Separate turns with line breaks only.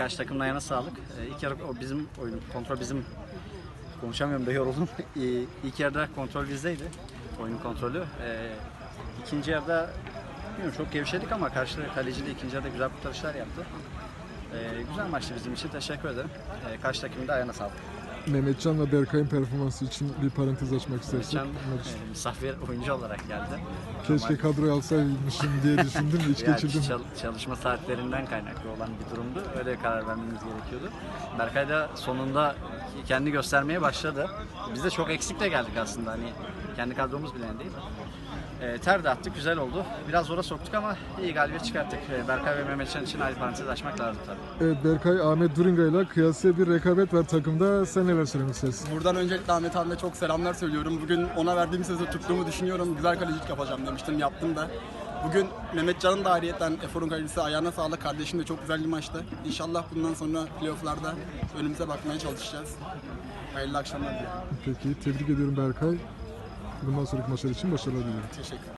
Karşı takımın ayağına sağlık. İlk yarı o bizim oyun, kontrol bizim. Konuşamıyorum da yoruldum. İlk yarıda kontrol bizdeydi. Oyunun kontrolü. İkinci yarıda bilmiyorum, çok gevşedik ama karşı kaleci de ikinci yarıda güzel kurtarışlar yaptı. Güzel maçtı bizim için. Teşekkür ederim. Karşı takımın da ayağına sağlık.
Mehmetcan ve Berkay'ın performansı için bir parantez açmak istersek.
Mehmetcan misafir oyuncu olarak geldi.
Keşke kadroya alsaymışım diye düşündüm de hiç geçirdim.
Çalışma saatlerinden kaynaklı olan bir durumdu. Öyle karar vermemiz gerekiyordu. Berkay da sonunda kendi göstermeye başladı. Biz de çok eksikle geldik aslında. Hani kendi kadromuz bile değil. Ter de attık, güzel oldu. Biraz zora soktuk ama iyi galibiyet çıkarttık. Berkay ve Mehmetcan için ayrı parantez açmak lazım tabii.
Evet, Berkay, Ahmet Duringa ile kıyasıya bir rekabet var takımda. Sen neler söylemek istersin?
Buradan öncelikle Ahmet abime çok selamlar söylüyorum. Bugün ona verdiğim sözü tuttuğumu düşünüyorum. Güzel kalecilik yapacağım demiştim, yaptım da. Bugün Mehmetcan'ın da ayrıyeten Efor'un kalecisi, ayağına sağlık. Kardeşim de çok güzel bir maçtı. İnşallah bundan sonra playoff'larda önümüze bakmaya çalışacağız. Hayırlı akşamlar diliyorum.
Peki, tebrik ediyorum Berkay. Bundan sonraki maçlar için başarılar diliyorum.
Teşekkür ederim.